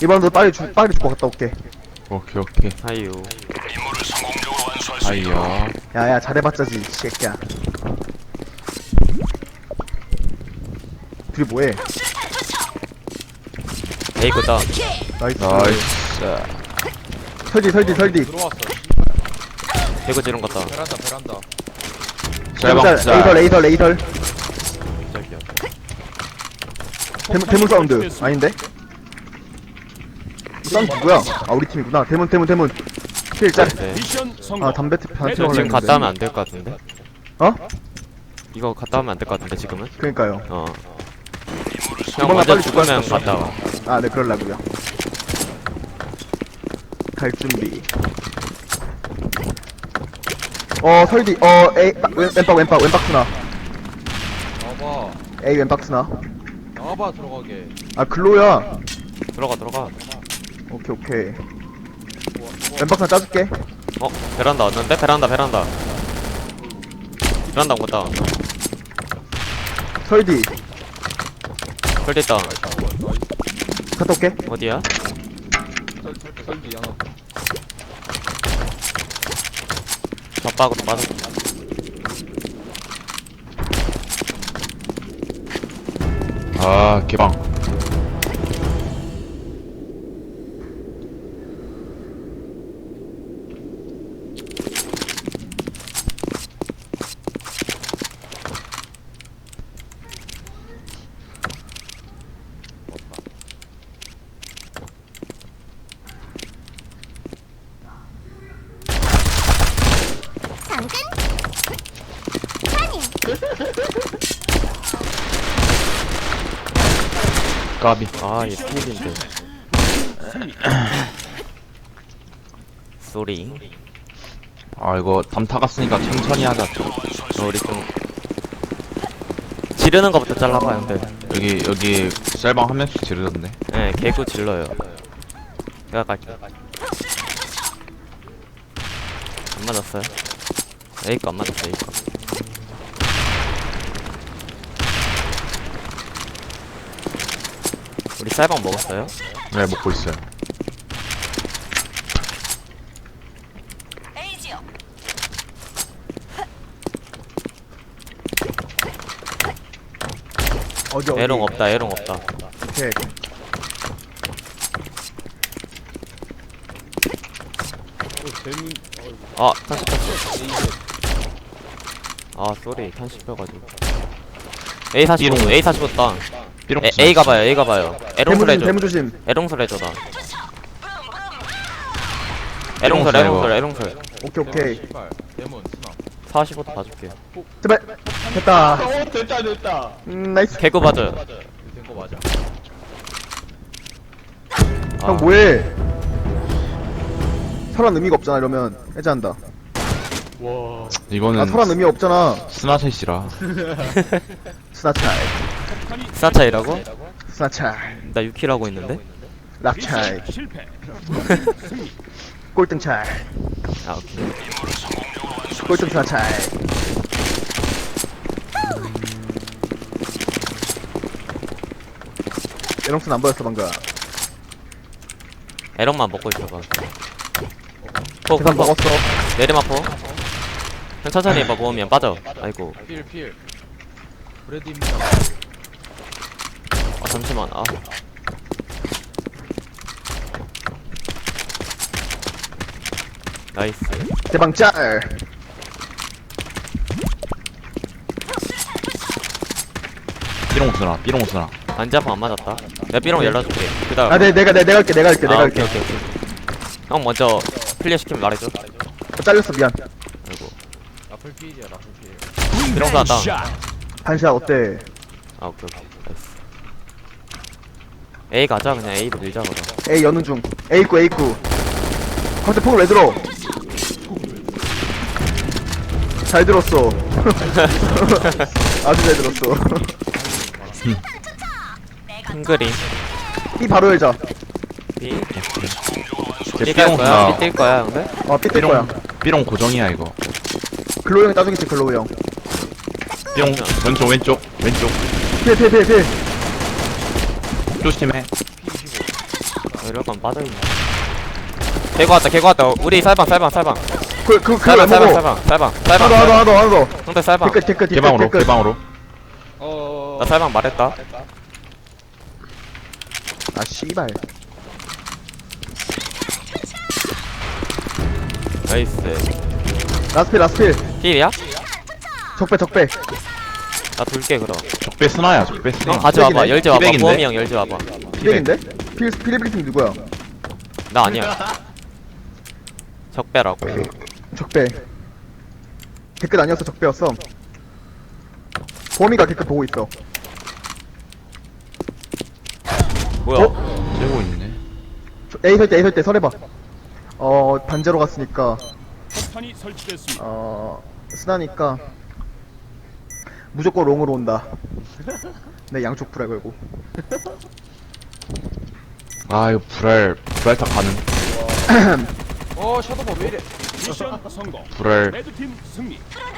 이번도 빨리 죽고 갔다 올게. 오케이 오케이. 아유. 아이야. 야야 잘해봤자지 이 새끼야. 둘이 뭐해? 에이 굿다. 나이스. 나이스. 설디. 들어왔어. 개구 지른 것다. 베란다. 짤방 짤. 레이설. 저기요. 대문 사운드 아닌데? 이 사운드 누구야? 아 우리 팀이구나. 대문. 필짤. 네. 아 담배 반 피러 지금 갔다 하면 안 될 것 같은데. 어? 이거 갔다 하면 안 될 것 같은데 지금은. 그러니까요. 형 이번만 먼저 빨리 죽으면 죽었어. 갔다 와. 아 네 그럴라고요. 갈 준비. 설디. A 왼박 스나. 나와봐. A 왼박 스나. 나와봐 들어가게. 아 글로야. 들어가. 오케이. 왼박 스나 짜줄게. 베란다 왔는데? 베란다 온 거다. 설디. 펄 됐다. 갔다 올게. 어디야? 설디 하나. 젖박으로 빠져. 아 개방. 까비. 아, 얘 필인데. 쏘리. 아 이거 담타 갔으니까 천천히 하자. 우리 좀 지르는 거부터 잘라봐, 형들. 여기 짤방 한 명씩 지르던데. 네, 개구 질러요. 내가 갈게. 안 맞았어요? A거 안 맞았어, A거. 우리 쌀방 먹었어요? 네 먹고 있어요. 어디. 에롱 없다. 오케이. 재문. 아, 탄식 탔어. 아, 쏘리. 탄식 펴가지고. A45, A45 땅. 삐롱. A 가봐요. 에롱설 해줘. 대문 조심. 에롱설 해줘, 나. 에롱설, 에롱설. 오케이. 씨발. 데몬 스나. 45도 봐줄게. 제발. 됐다. 됐다. 나이스. 개구 봐줘요. 된거 맞아. 형 뭐해? 설한 의미가 없잖아 이러면 해제한다. 와. 이거는 설한 의미 없잖아. 스나셋이라. 스나차이. 스나차이라고? 스나차이. 나 6킬 하고 있는데? 락차이. 꼴등 차이. 아, 오케이. 꼴등 스나차이. 에롱슨 안 보였어 방금. 에런만 먹고 있어봐. 포, 계산 먹었어. 내리마포. 형 천천히 해봐, 모으면 빠져. 아이고. 필. 브레드입니다. 아, 잠시만. 아. 나이스. 대방 짤. 삐롱 스나. 안잡아 안 맞았다. 내가 B롱 열어줄게. 그 다음. 아 내가 할게. 오케이. 형 먼저 클리어 시키면 말해줘. 잘렸어 미안. 아이고. 라플 필이야 라플 필. B롱 쐈다. 반샷 어때? 아, 오케이. 나이스. A 가자, 그냥 A로 밀자, 그럼. A 여는 중. A9. 컨셉 폭을 왜 들어? 잘 들었어. 아주 잘 들었어. 큰 그림. B 바로 열자. B. 제 B 갈 삐롱 거야? 스나. B 뛸 거야, 형들? B 뜰 거야. 삐롱 고정이야 이거. 글로우 형이 따주겠지 글로우 형. 삐롱 왼쪽. 필. 조심해. 이럴 거면 빠져있네. 개고 왔다. 우리 쌀방. 그 쌀방. 먹어. 하나 더. 하나 더. 형들 쌀방. 댓글. 개방으로. 나 쌀방 말했다. 아, 씨발. 나이스. 라스필. 필이야? 적배. 나 돌게 그럼. 적배 스나야, 적배 스나. 형 가져와봐. 피백이네. 열지 와봐. 피백인데? 보험이 형 열지 와봐. 피백인데? 필리핀 누구야? 나 아니야. 적배라고. 적배. 댓글 아니었어, 적배였어. 범이가 댓글 보고 있어. 뭐야? 째고 있네. A 설때 설해봐. 반제로 갔으니까. 폭탄이 설치됐습니다. 쓰나니까. 무조건 롱으로 온다. 내 양쪽 불알 걸고. 아, 이거 불알타 가는. 샤도버 왜 이래? 미션 성공. 불알 레드팀 승리.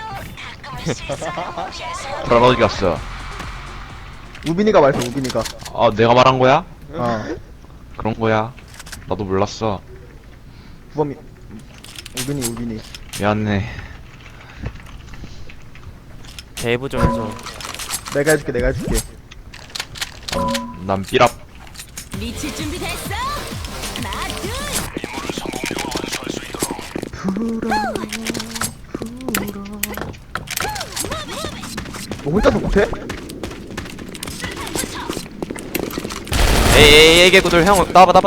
어디 갔어? 우빈이가 말했어, 우빈이가. 아, 내가 말한 거야? 그런 거야. 나도 몰랐어. 부범이. 우빈이. 미안해. 대부 좀 해줘. 내가 해줄게. 난 삐랍. 미칠 준비 됐어? 하나, 둘. 너 혼자서 못해? 에이 개구들 형 나와봐.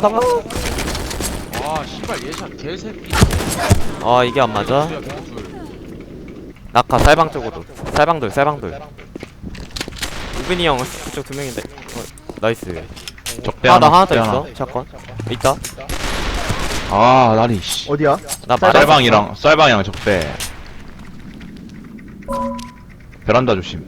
아 씨발 예샷 개새끼. 아 이게 안 맞아? 야 개구줄. 낙하 쌀방 쪽으로. 쌀방들. 우빈이 형 그쪽 두 명인데. 나이스. 적배 하나 더 적배 있어. 샷건. 있다. 아, 나리, 씨. 어디야? 나 말했어. 쌀방이랑 적배. 베란다 조심.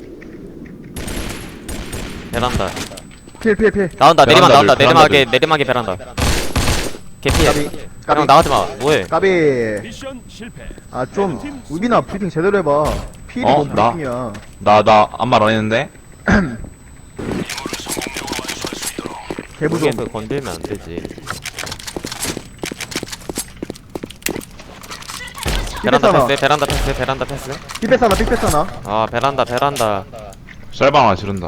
베란다. 필. 나온다. 내리막 베란다들, 나온다. 베란다들. 내리막에 베란다. 개피해. 까비. 형 나가지 마. 뭐해? 까비. 미션 실패. 아, 좀, 우빈아, 브리핑 제대로 해봐. 필이 어? 너무 나? 브리핑이야. 나 아무 말 안 했는데? 개부좀. 여기에서 건들면 안 되지. 베란다 패스. 삐뺐잖아. 아 베란다. 쌀방 하나 지른다.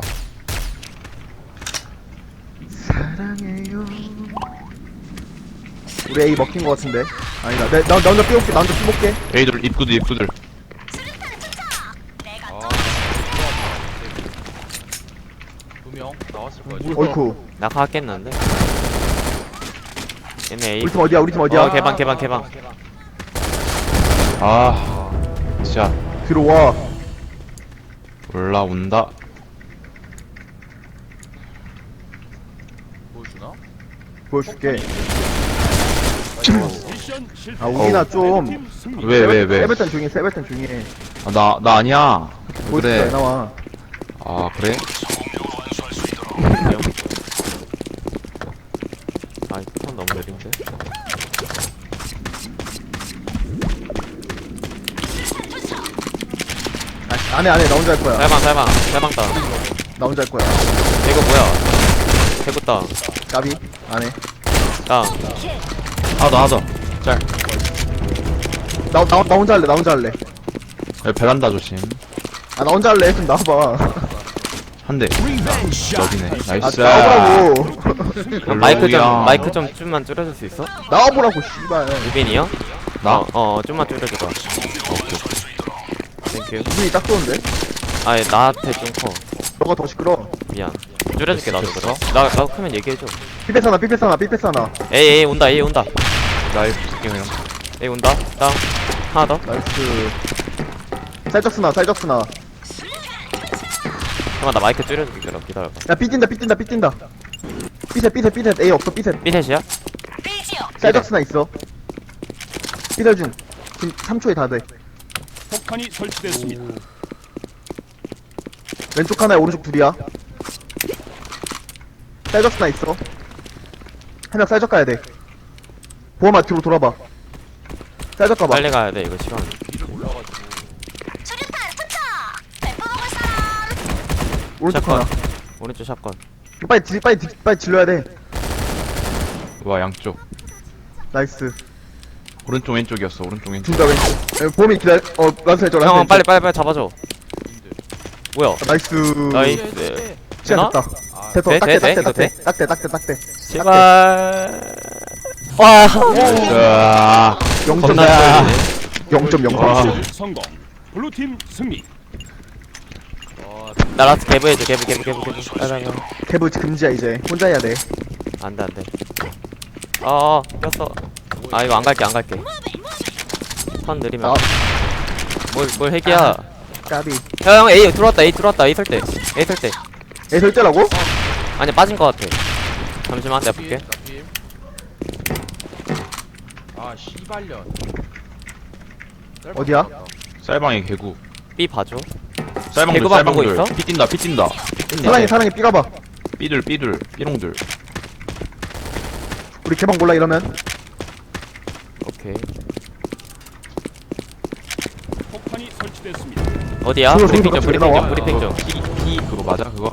사랑해요. 우리 A 먹힌 거 같은데. 아니다. 나 혼자 삐올게. 나 혼자 삐볼게. 에이들, 입구들. 두명 나왔을 거야. 어이쿠. 낙하겠는데? 얘네 A. 우리 팀 어디야? 개방. 아, 진짜. 들어와. 올라온다. 보여주나? 보여줄게. 미션 실패. 아, 우빈아 좀. 레드팀 승리. 왜? 세벨탄 중에. 아, 나 아니야. 보여줄게. 그래. 나와. 아, 그래? 아 이건 너무 느린데? 안해. 나 혼자 할 거야. 쌀방 따. 나 혼자 할 거야. 이거 뭐야? 개구 따. 까비. 안해. 따. 하나 더. 짤. 나 혼자 할래. 여기 베란다 조심. 나 혼자 할래. 좀 나와봐. 한 대. 여기네. 나이스. 나와보라고. 마이크 좀 좀만 줄여줄 수 있어? 나와보라고, 씨발. 우빈이요? 나? 좀만 줄여줘봐. 땡큐. 우빈이 딱 좋은데? 아니 나한테 좀 커. 너가 더 시끄러. 미안. 줄여줄게 나도 그럼. 나도 크면 얘기해줘. 삐뺐잖아. 에이 온다. 나이스 게임이랑. 에이 온다. 땅. 하나 더. 나이스. 쌀적스나. 잠깐만 나 마이크 줄여줄게 그럼 기다려봐. 야, 삐뛴다. 삐셋. A 없어, 삐셋. 삐셋이야? 쌀적스나 있어. 삐설 중. 지금 3초에 다 돼. 폭탄이 설치됐습니다. 왼쪽 하나에 오른쪽 둘이야. 쌀적스나 있어. 한 명 쌀적 가야 돼. 보험아, 뒤로 돌아봐. 쌀적 가봐. 빨리 가야 돼 이거 시간. 수류탄 투척! 멤버 먹을 사람! 오른쪽 샷건. 하나. 오른쪽 샷건. 빨리 질러야 돼. 와 양쪽 나이스. 오른쪽 왼쪽이었어 오른쪽 왼쪽 둘 다 왼쪽. 보험이 기다려. 라스 해줘, 라스 형 해줘. 빨리 잡아줘. 뭐야? 나이스. 나이스. 시간 됐다. 됐어. 돼, 딱대, 돼, 딱대, 이거 돼? 딱대. 제발. 와. 자 0.0. 겁나 0.0. 미션 성공. 블루팀 승리. 나 라스트 개브 해줘. 개브. 개부 금지야, 이제. 혼자 해야 돼. 안돼. 꼈어. 아 이거 안 갈게. 턴 느리면. 아. 뭘 핵이야? 까비. 형 A 들어왔다. A 설 때. 애 설대라고? 아니 빠진 거 같아. 잠시만 내가 볼게. 아 씨발년. 어디야? 쌀방에 개구 B 봐줘. 쌀방들 개구방 보고 쌀방들 있어? 피 뛴다 사랑이 삐가봐. 삐들 삐롱들 우리 개방 몰라, 이러면. 오케이. 폭탄이 설치됐습니다. 어디야? 그거 브리핑 좀. 갑자기 나와? 브리핑 좀. 피 그거 맞아 그거?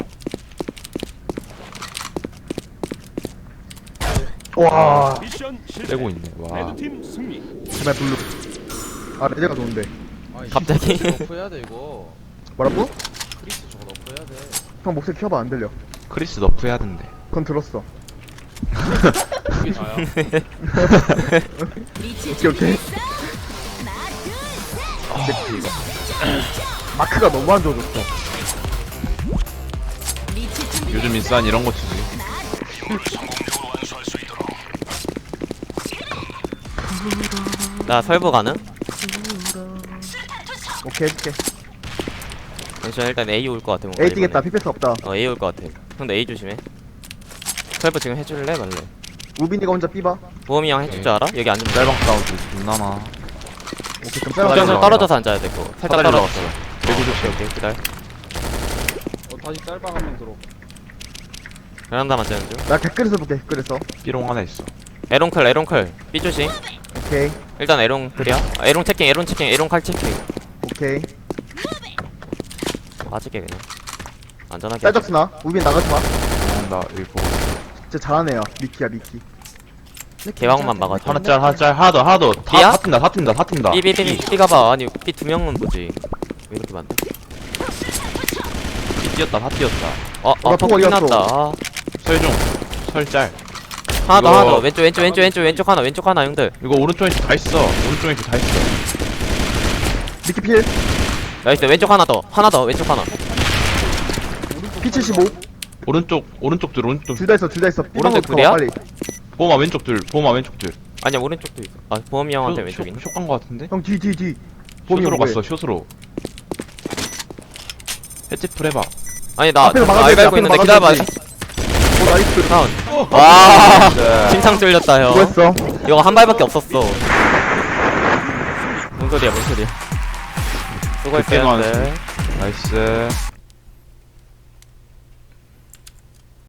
와. 미션 실패. 떼고 있네 와 레드팀 승리. 제발 블루. 아, 레드가 좋은데. 갑자기? 너프 해야 돼 이거. 뭐라고? 크리스 저거 너프 해야 돼. 형 목소리 키워봐, 안 들려. 크리스 너프 해야 된대 그건 들었어. 이게 다야. 리치 오케이. 준비됐어? 하나, 둘, 셋. 마크가 너무 안 좋아졌어. 리치 준비. 요즘 인싸는 이런 거 치지 나 설부 가능? 오케이, 해줄게. 잠시만 일단 A 올 것 같아 뭔가 A 뛰겠다, 이번에. 피패스 없다. A 올 것 같아. 형도 A 조심해. 설부 지금 해줄래 말래? 우빈이가 혼자 삐봐. 보험이 형 해줄 줄 알아? 여기 앉으면 돼. 쌀방 사우드 존나 많아 오케이, 그럼 좀 쌀방. 쌀방. 떨어져서 앉아야 돼 그거. 살짝 사다리 떨어졌어. 개구 오케이 기다려. 다시 짤방 한 명 들어. 베란다 맞자는 중. 나 댓글에서 볼게, 댓글에서. 삐롱 하나 있어 에롱클. B 조심. 오케이, 일단 에롱클이야. 에롱 체킹. 에롱 칼 체킹. 오케이. 맞을게 그냥. 안전하게. 쌀적스나. 우빈 나가지 마. 나 여기 보고 진짜 잘하네요. 미키야, 미키. 개왕만 막아줘. 하나 짤 하나 더 삐야? 다 튄다 B 가봐. 아니 B 두 명은 보지. 왜 이렇게 많대? 삐 뛰었다 다 뛰었다 나 폭 폭 어디 갔어? 났다. 아. 설중 설짤 하나 이거- 더. 왼쪽 하나 형들. 이거 오른쪽 왼쪽 다 있어 오른쪽 왼쪽 다 있어 미키 필. 나이스. 왼쪽 하나 더. 왼쪽 하나. P75. 오른쪽 둘 다 있어, 삐방으로 오른쪽 붙어, 둘이야? 빨리. 보마 왼쪽 둘 아니야 오른쪽도 있어. 아 보험이 형한테 왼쪽 있네. 숏간 거 같은데? 형, 뒤. 숏으로 뭐해? 갔어 숏으로 해치풀 해봐 아니 나 앞에서 막아줘야지, 알 갈고 있는데 앞에서 기다려봐. 막아줘야지. 오, 나이스. 다운. 와. 네. 심상 뚫렸다 형. 수고했어. 이거 한 발밖에 없었어. 뭔 소리야. 그때만 수고했어요. 나이스